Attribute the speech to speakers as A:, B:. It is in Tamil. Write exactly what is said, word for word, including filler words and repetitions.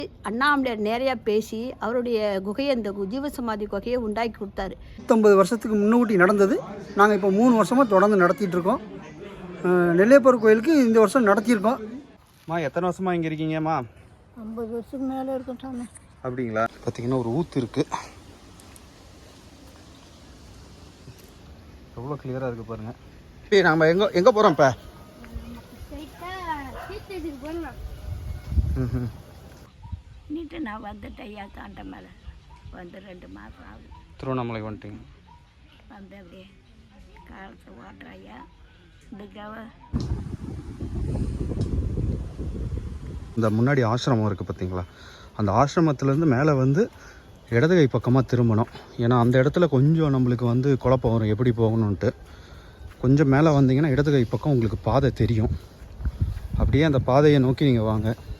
A: அண்ணாமலையார் நேரையா பேசி அவருடைய குகையை இந்த ஜீவசமாதி குகையை உண்டாக்கி கொடுத்தாரு.
B: பத்தொன்பது வருஷத்துக்கு முன்னூட்டி நடந்தது. நாங்கள் இப்போ மூணு வருஷமாக தொடர்ந்து நடத்திட்டு இருக்கோம். நெல்லையப்பர் கோயிலுக்கு இந்த வருஷம் நடத்தியிருக்கோம்.
C: மா எத்தனை வருஷமா இங்கே இருக்கீங்கம்மா?
A: ஐம்பது வருஷத்துக்கு மேலே இருக்கும் சாமி.
C: அப்படிங்களா? பார்த்தீங்கன்னா ஒரு ஊத்து இருக்கு, எவ்வளோ கிளியராக இருக்கு பாருங்க. இப்போ நம்ம எங்கே எங்கே போகிறோம் இப்போ? ம்
A: நீட்டு நான் வந்துட்டேன் ஐயா, தாண்ட மேலே வந்து ரெண்டு மாதம் ஆகுது.
C: திருவண்ணாமலை வந்துட்டீங்க?
A: வந்து அப்படியே காலத்தை ஓட்டுற ஐயா. இதுக்காக
C: இந்த முன்னாடி ஆசிரமம் இருக்குது பார்த்தீங்களா, அந்த ஆசிரமத்துலேருந்து மேலே வந்து இடது கை பக்கமாக திரும்பணும். ஏன்னா அந்த இடத்துல கொஞ்சம் நம்மளுக்கு வந்து குழப்பம் வரும் எப்படி போகணுன்ட்டு. கொஞ்சம் மேலே வந்தீங்கன்னா இடது கை பக்கம் உங்களுக்கு பாதை தெரியும். அப்படியே அந்த பாதையை நோக்கி நீங்கள் வாங்க.